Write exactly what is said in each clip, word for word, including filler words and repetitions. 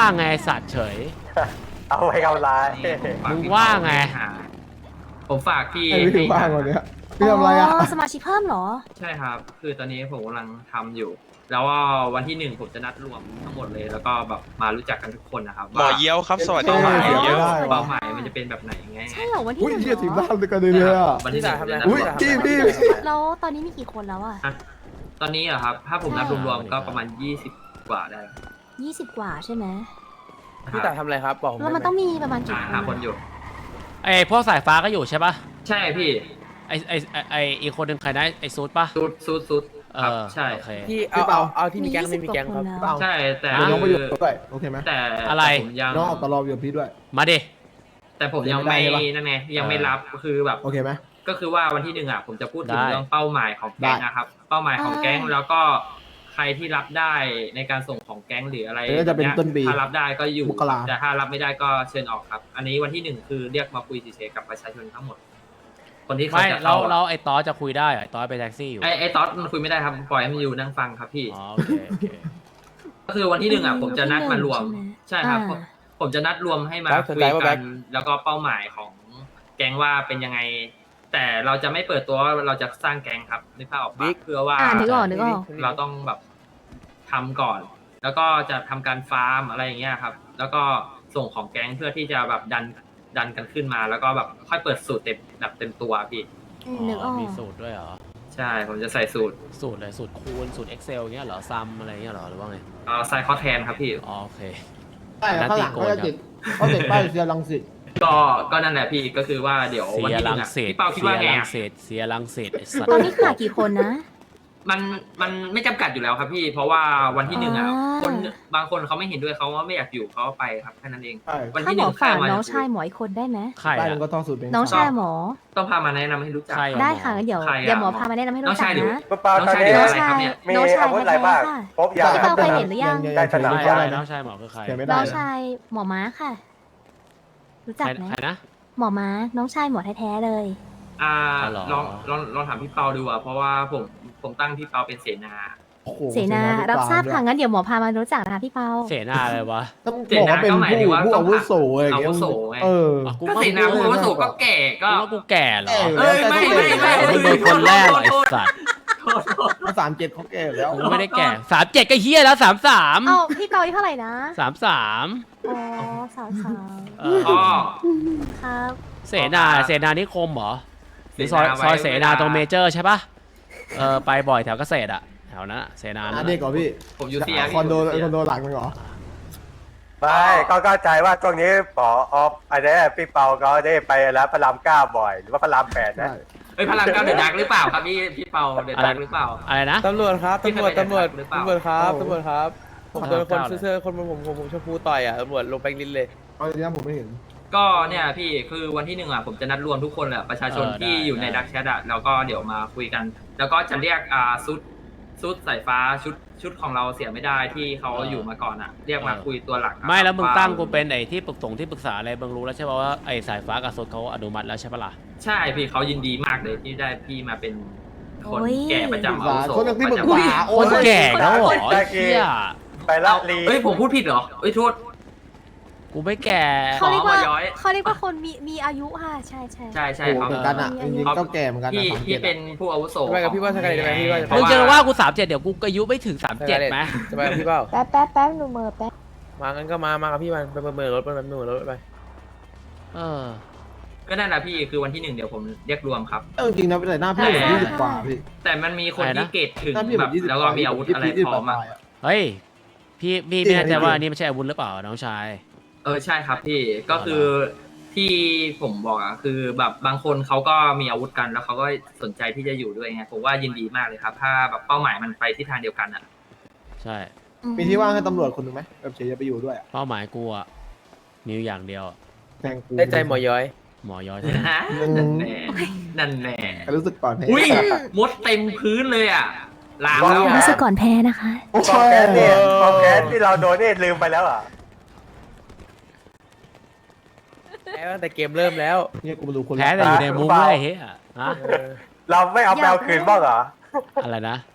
ไงสัตว์เฉยเอาไว้เอาร้ายมึงว่าไงผมฝากพี่ไอ้พี่ว่างวันเนี้ยพี่ทำอะไรอ่ะสมาชิกเพิ่มเหรอใช่ครับ คือตอนนี้ผมกำลังทำอยู่ แล้วว่าวันที่หนึ่งผมจะนัดรวมทั้งหมดเลย แล้วก็แบบมารู้จักกันทุกคนนะครับหมอเยี่ยวครับสวัสดีเป้าหมายหมอเยี่ยวเป้าหมายมันจะเป็นแบบไหนไงใช่เหรอวันที่อุ้ยหนึ่งเฮียถึงเหรบ้าอนเลยกันเลยอ่ะวันที่หนึ่งผมจะนัดอุ้ยรวมพี่พี่แล้วตอนนี้มีกี่คนแล้วอะตอนนี้เหรอครับ ถ้าผมนับรวมๆก็ประมาณยี่สิบกว่าได้ยี่สิบกว่าใช่ไหมพี่ต่ายทำอะไรครับบอกผมแล้วมันต้องมีประมาณกี่คนหาอะคนอยู่ไอ้พวกสายฟ้าก็อยู่ใช่ปะใช่พี่ไอ้ไอ้ไอ้ไอ้อีกคนหนึ่งใครนะไอ้ซูดปะซุดซุดซุดเอครับอใช่โอเคพี่เอาเอาเอาที่มีแก๊งไม่มีแก๊งครับยี่สิบกว่าคนแล้วใช่แต่เดี๋ยวน้องไปอยู่คือด้วยโอเคไหมแต่อะไรผมยังน้องออกตลอดอยู่กับพี่ด้วยมาดิแต่ผมยังไม่นั่นไงยังไม่รับคือแบบโอเคไหมก็คือว่าวันที่หนึ่งอ่ะผมจะพูดถึงได้เรื่องเป้าหมายของแก๊งได้นะครับ เป้าหมายของแก๊งอ่าแล้วก็ใครที่รับได้ในการส่งของแก๊งหรืออะไรเดี๋ยวจะเป็นต้นปีถ้ารับได้ก็อยู่มกราแต่ถ้ารับไม่ได้ก็เชิญออกครับ อันนี้วันที่หนึ่งคือเรียกมาคุยเฉยๆกับประชาชนทั้งหมด คนที่เขาไม่จะเราเข้าเราไอ้ตอสจะคุยได้เหรอไอ้ตอสไปแท็กซี่อยู่ไอ้ไอ้ต๊อดมันคุยไม่ได้ครับปล่อยให้มันอยู่นั่งฟังครับพี่อ๋อโอเคโอเคก็คือวันที่หนึ่งอ่ะผมจะนัดมารวมใช่ใช่ไหมครับอ่าผมผมจะนัดรวมให้มาแบ็คสนคุใจยว่ากัแบ็นคแล้วก็เป้าหมายของแก๊งว่าเป็นยังไง แต่เราจะไม่เปิดตัวว่าเราจะสร้างแก๊งครับนึกภาพออกปะเพื่อว่าอ่านึกออกนึกออกเราต้องแบบทำก่อน แล้วก็จะทำการฟาร์มอะไรอย่างเงี้ยครับ แล้วก็ส่งของแก๊งเพื่อที่จะแบบดันดันกันขึ้นมา แล้วก็แบบค่อยเปิดสูตรเต็มแบบเต็มตัวพี่อืมนึกออกมีสูตรด้วยเหรอใช่ผมจะใส่สูตรสูตรอะไรสูตรคูณสูตร Excel เงี้ยเหรอซัมอะไรเงี้ยเหรอหรือว่าไงเอาใส่ข้อแทนครับพี่อ๋อโอเคใช่ข้างหลังเขาจะติดเขาติดป้ายเสียรังสิตก็ก็นั่นแหละพี่ก็คือว่าเดี๋ยวเสีวันยที่หรันึ่งงอะสิตพี่เปาคิดเสีว่าย ไงรังอะสิตเสียรังสิตไอ้สัตว์ตอนนี้ขาดกี่คนนะมันมันไม่จำกัดอยู่แล้วครับพี่ เพราะว่าวันที่หนึ่งอ่ะอ่าคนบางคนเขาไม่เห็นด้วยเขาว่าไม่อยากอยู่เขาก็ไปครับแค่นั้นเองใช่วันถ้าที่หหมนึ่องใครฝากมาน้องชายหมออีกคนได้ไหมใครป้ายอะมันก็ท่องสูตรเป็นน้องชายหมอต้องพามาแนะนำให้รู้จักใครอะได้ค่ะงั้นเดี๋ยวใครอะเดี๋ยวหมอพามาแนะนำให้น้รู้องจัชาก ยหรือนะคุณเปาตอนนี้น้น้ออง งชาชาย ยเนี่ยมีน้องชายอาวุธอะไรบ้างแท้ๆค่ะครบยาพี่เปาเคยเห็นหรือยังยังได้ใช้สนับไม่ใครได้น้นะองชายหมอคือใครใช้ไม่ได้น้องนะชายหมอม้าค่ะ รู้จักใครไหมใครนะหมอม้าน้องชายหมอแท้ๆเลยอ่าอ๋อเหรอลองลองลองถามพี่เปาดูอ่ะเพราะว่าผมผมตั้งพี่เปาเป็นเสนาโอ้โหเสนารับทราบค่ะงั้นเดี๋ยวหมอพามารู้จักนะคะพี่เปาเสนาอะไรวะต้องบอกว่าเป็นผู้ผู้อาวุโสอะไรอย่างเงี้ยอาวุโสไงเอออ๋อกูก็ว่าเสนาผู้อาวุโสก็แก่ก็กูว่ากูแก่เหรอเออเอ้ยไม่ไม่ไม่มึงเป็นคนแรกเหรอไอ้สัตว์โทษโทษภาษาอังกฤษเขาแก่แล้วกูไม่ได้แก่สามเจ็ดก็เฮียแล้วสามสามเอ้าพี่เปาอายุเท่าไหร่นะสามสามอ๋อสาวสาวเอออ๋อครับเสนาเสนานิคมเหรอหรือซอยซอยเสนาตรงเมเจอร์ใช่ปะเออไปบ่อยแถวเกษตรอะแถวนั้นอะเสนาอันั่นนนี้อะก่อนพี่ผมอยู่เซียคอนโดคอนโดหลังนึงเหรอไม่ก็เข้าใจว่าช่วงนี้ปอออฟอันนี้พี่เปาเขาได้ไปแล้วพระรามเก้าบ่อย หรือว่าพระรามแปดนะใช่เฮ้ยพลังเก้าเดือดดักหรือเปล่าครับพี่พี่เปาเดือดดักหรือเปล่าอะไรนะตำรวจครับพี่ตำรวจเคยไปตำรวจหรือเปล่าตำรวจครับโอ้ตำรวจครับ ผมโดนคนเก้าเลยเสื้อคนผมผมผมผมชมพูต่อยอ่ะตำรวจลงไปลิ้นเลยเอาจริงๆผมไม่เห็นก็เนี่ยพี่คือวันที่หนึ่งอ่ะผมจะนัดรวมทุกคนแหละประชาชนเออได้ที่อยู่ในได้ดักแชทอ่ะแล้วก็เดี๋ยวมาคุยกัน แล้วก็จะเรียกอ่าซุดซุดสายฟ้าชุดชุดของเราเสียไม่ได้ที่เขาอยู่มาก่อนอ่ะ เรียกมาคุยตัวหลักอะไม่แล้วมึงาตั้งกูเป็นไอ้ที่ปรึกษงที่ปรึกษาอะไรมึงรู้แล้วใช่ป่ะว่าไอ้สายฟ้ากับโซดเขาอนุมัติแล้วใช่ปะล่ะใช่พี่เขายินดีมากเลยที่ได้พี่มาเป็นคนโอ้ยแก่ประจำอาวุโสคนที่ปรึกประจำษาคโอ้นยแก่แล้วเหรอได้ไอ้เฮียไปละลีเอ้ยผมพูดผิดเหรอเอ้ยโทษกูไม่แก่เขาเรียกว่าหมอย้อยเขาเรียกว่าคนมีมีอายุค่ะใช่ใช่ใช่ใช่โอ้โหเขาเหมือนกันอ่ะจริงๆก็แก่เหมือนกันนะพี่สามพี่เจ็ดเป็นผู้อาวุโสไปกับพี่ว่าสกายได้ไหมพี่ว่ามึงจะว่ากูสามเจ็ดเดี๋ยวกูอายุไม่ถึงสามเจ็ดไหมจะไปกับพี่เปล่าแป๊บแป๊บแป๊บหนูเมอแป๊บมางั้นก็มามากับพี่มันไปเมือรถไปเมือรถไปเออก็นั่นแหละพี่คือวันที่หนึ่งเดี๋ยวผมเรียกรวมครับเออจริงนะแต่หน้าพี่ผมยี่สิบกว่าพี่แต่มันมีคนอะไรนะที่เกรดถึงหน้าพี่ผแบมบยี่สิบแล้วก็มีอาวุธอะไรพร้อมอ่ะเฮ้ยพี่พี่ไม่แน่ใจว่าอันนี้ไม่ใช่อาวุธหรือเปล่าน้องชายเออใช่ครับพี่ก็คือที่ผมบอกอ่ะคือแบบบางคนเขาก็มีอาวุธกันแล้วเขาก็สนใจที่จะอยู่ด้วยไงผมว่ายินดีมากเลยครับ ถ้าแบบเป้าหมายมันไปที่ทางเดียวกันอ่ะใช่มีที่ว่างให้ตำรวจคนหนึ่งไหมแบบเฉยๆไปอยู่ด้วยอะเป้าหมายกูอะมีอยู่อย่างเดียวอะแทงกูได้ใจหมอย้อยหมอย้อยเท่านั้นนั่นแน่นั่นแน่รู้สึกปลอดภัยอุ้ยมดเต็มพื้นเลยอ่ะล้างแล้วรู้สึกก่อนแพ้นะคะโอ้กองแก๊สเนี่ยกองแก๊สที่เราโดนนี่ลืมไปแล้วเหรอแพ้ตั้งแต่เกมเริ่มแล้วเนี่ยกูมาดูคนแพ้แต่อยู่ในมุ้งเลยเฮ้ยอะฮะเออเราไม่เอาแปลคืนบ้างเหรออะไรนะ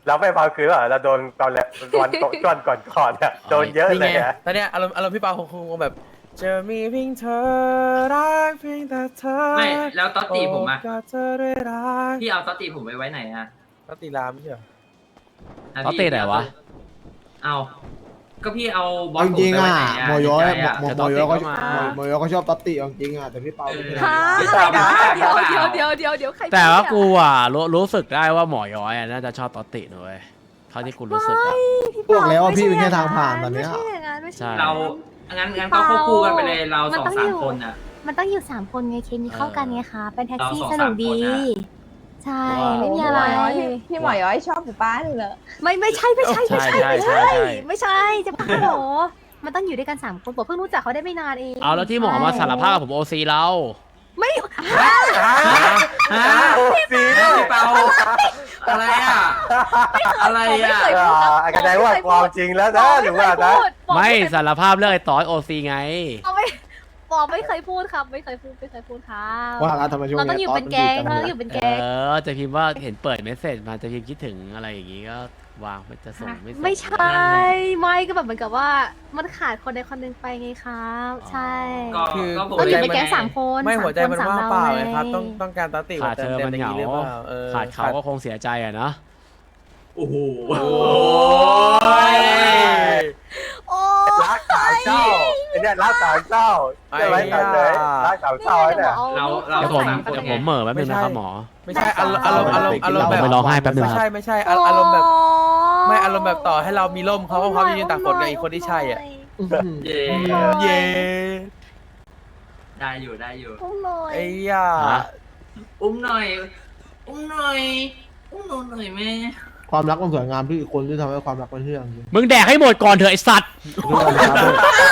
เราไม่พาคืนหรอเราโดนตอนแรกวันก่อนก่อนก่อนเนี่ยโดนเยอะนี่เลไงยอะตอนเนี้ยอารมณ์อารมณ์พี่เปาคงคงแบบจะมีเพียงเธอรักเพียงแต่เธอไม่แล้วตอตติผมอะโก็เธอได้รักพี่เอาตอตติผมไว้ไว้ไหนอะตอตติรามไม่ใช่เหรอะตอตติไหนวะเอาก็พี่เอาบอเอาสจริงผมๆไปไว้อ่ะไหนอะโมโยในใจอะโมแต่โมตอตโยติก็ก็มาโมโยก็ชอบตอตติเอาจริงอ่ะแต่พี่เปาไม่ใช่ฮะพี่อะไรเปานะพี่เดี๋ยวเปาเดี๋ยวเดี๋ยวเดี๋ยวเดี๋ยวใครแต่ว่าพูกูดอะอ่ะรู้รู้สึกได้ว่าหมอย้อยอ่ะน่าจะชอบตอตตินะเว้ยเท่าที่กูรู้สึกอ่ะพี่พวกแล้วว่าไม่พี่ใช่เป็นแค่ทางผ่านตอนเนี้ยไม่ใช่อย่างนั้นไม่ใช่ใช่เรางั้นงั้นก็ควบคู่กันไปเลยเรามันสองต้องสาอมยู่คนอะมันต้องอยู่สามคนไงเคมีเข้ากันไงคะเป็นแท็กซี่เราสองสนุกดีสามคนอะใช่ว้าวไม่มีอะไรพี่พี่หมอย้อยชอบหมูป้าเลยเหรอไม่ไม่ใช่ไม่ใช่ไม่ใช่ใช่ไม่ใช่ใช่ใช่ไม่ใช่จะบ้าเหรอมันต้องอยู่ด้วยกันสามคนบอกเพิ่งรู้จักเขาได้ไม่นานเองเอาแล้วที่หมอมาสารภาพกับผมโอซีเราไม่ฮะโอ้ซีพี่เปาอะไรอะอะไรไม่อะเคยพูดครับอ่าแสดงว่าความจริงแล้วนะหรือว่านะบอกไม่เคยพูดสารภาพเรื่องไอ้ตอสโอซีไงบอกไม่บอกไม่เคยพูดครับไม่เคยพูดไม่เคยพูดครับว่าแล้วทำไมช่วงเราต้องนี้อยู่เป็นแก๊งเราต้องอยู่เป็นเอแก๊งอจะพิมพ์ว่าเห็นเปิดเมสเซจมาจะพิมพ์คิดถึงอะไรอย่างงี้ก็วางไม่จะส่งไม่ส่งไม่ใช่ไม่ก็แบบเหมือนกับว่ามันขาดคนใดคนหนึ่งไปไงครับ ใช่ก็คือก็ผมเราอยู่ใจเป็นแก๊งสามคนไม่สาหัวใจมันคสว่างรเปล่าไงไงครับ ต้องต้องการตอตติขาดเธอต็มันเหงาย่หรือเปล่อออขาดเขาก็คงเสียใจอ่ะเนาะโอ้โหโอ้ยโอ้รักสามเจ้าไอ้เนี่ยรักสามเจ้าใช่ไหมกันเลยรักสามเจ้าเนี่ยเราเราเดี๋ยวผมสามคนเดี๋ยวไงผมเหม่อแป๊บนึงนะครับหมอไม่ใช่อารมณ์อารมณ์อารมณ์อารมณ์แบบผมไปร้องไห้แป๊บนึงไม่ครับใช่ไม่ใช่อารอารมณ์แบบไม่อารมณ์แบบต่อให้เรามีร่มเขาก็พร้อมจะยืนตากฝนกับอีกคนที่ใช่อ่ะเย่เย้ได้อยู่ได้อยู่อุ้มหน่อยไอ้ย่าฮะอุ้มหน่อย อุ้มหน่อย อุ้มหนูหน่อยแม่ความรักมันสวยงามที่อีกคนที่ทำให้ความรักมันเที่ยงจริงมึงแดกให้หมดก่อนเถอะไอสัตว์เรื่องอะไรครับ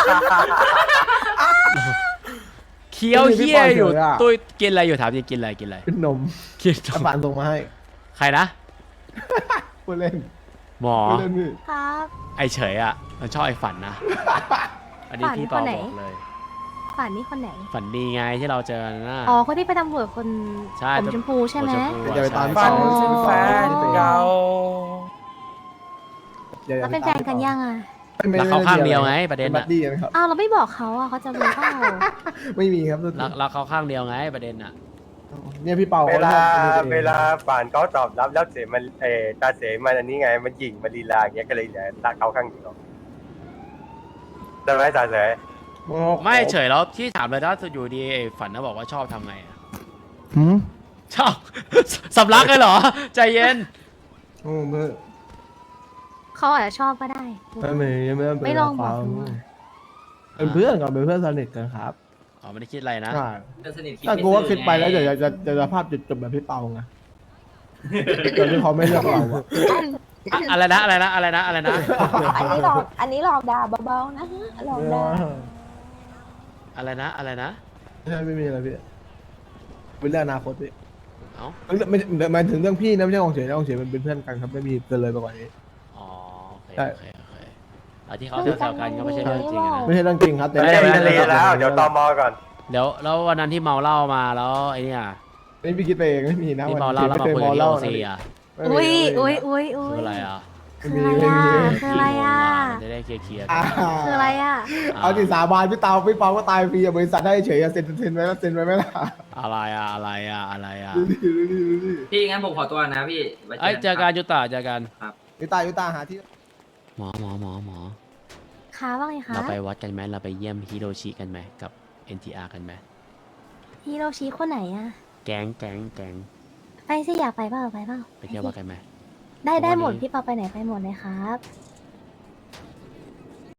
เคี้ยวเฮี้ยอยู่ไม่ได้พี่ปอนเฉยอะตุ้ยกินอะไรอยู่ถามจริงกินอะไรกินอะไรขึ้นนมกินอาบานส่งมาให้ใครนะพูดเล่นหมอพูดเล่นพี่ครับไอเฉยอ่ะมันชอบไอฝันนะ อันนี้ฝันพี่เปาคนไหนบอกเลยฝันนี่คนไหนฝันดีไงที่เราเจอกันนะอ๋อคนที่ไปตำรวจคนใช่ผมชมพูใช่ไหมผมชมพูอย่าไปตามฝันอ๋อถึงแฟนเก่าอย่าอย่าแล้วเป็นแฟนกันยังอ่ะไม่แล้วไม่เขาไม่ข้างเดียวไงป็ประเด็นบัอ่ะดดี้กันครับอ้าวเราไม่บอกเขาอ่ะเขาจะรู้เปล่าไม่มีครับแล้วแล้วเขาข้างเดียวไงประเด็นอ่ะเนี่ยพี่เปาเวเขาลาชอบเวลาป่านเขาตอบรับแล้วเสียมันเออตาเสียมันอันนี้ไงมันหยิ่งมันลีลาอย่างเงี้ยก็เลยเหลือรักเขาข้างเดียวใช่ไหมตาเสียไม่เฉยแล้วที่ถามเลยถ้าอยู่ดีไอ้ฝันนะบอกว่าชอบทำไงอะหืมชอบ สำลักเลยเหรอ ใจเย็นโอ้ไม่เขาอาจจะชอบก็ได้ไม่ไม่ไม่เป็นไม่ลองบอกความดูอะเป็นเพื่อนกันเป็นเพื่อนสนิทกันครับอ๋อไม่ได้คิดอะไรนะใช่เพื่อนสนิทคิดถ้าไม่กูว่าซื่อคิดไปแล้วไงเดี๋ยวจะจะจะภาพจุดจบแบบพี่เปาไงตอนที่เขาไม่เลือกเราอะอะอะไรนะอะไรนะอะไรนะอะไรนะอันนี้หลอกอันนี้หลอกด่าเบาๆนะฮะหลอกด่าอะไรนะอะไรนะไม่ใช่ไม่มีอะไรพี่เป็นเรื่องอนาคตพี่เอ้าไม่ไม่หมายถึงเรื่องพี่นะไม่ใช่ของเฉยนะของเฉยมันเป็นเพื่อนกันครับไม่มีเกินเลยไปกว่านี้อ๋อโอเคใช่โอเคโอเคแล้วที่เขาแซวๆกันก็ไม่ใช่เรื่องจริงอะนะไม่ใช่เรื่องจริงครับแต่ไม่ได้ไม่ได้แล้วเดี๋ยวตอมอก่อนเดี๋ยวแล้ววันนั้นที่เมาเหล้ามาแล้วไอ้เนี่ยไม่พี่คิดไปเองไม่มีนะที่วันเมาเหล้าแล้วมาคุยกับที่โอซีอ่ะไม่มีอุ้ยไม่มีอุ้ยอุ้ยอุ้คือย อะไรอ่ะคืออะไรอ่ะคืออะไรอ่ะจะได้เคลียร์ๆอ่ากันคืออะไรอ่ะเอาจิสาบานพี่เตาพี่เปาก็ตายฟรีอะบริษัทให้เฉยอะเซ็นเซ็นไว้แล้วเซ็นไว้ไหมล่ะอะไรอ่ะอะไรอ่ะอะไรอ่ะดูดิดูดิดูดิพี่งั้นผมขอตัวนะพี่ไว้เอ้ยเจอกันยุตาเจอกันยุตายุตาหาที่หมอหมอหมอหมอคะว่าไงคะเราไปวัดกันไหมเราไปเยี่ยมฮิโรชิกันไหมกับ เอ็น ที อาร์ กันไหมฮิโรชิคนไหนอ่ะแก๊งแก๊งแก๊งไปสิอยากไปเปล่าไปเปล่าไปเที่ยววัดกันไหมได้ได้หมดวันนี้พี่เปาไปไหนไปหมดเลยครับ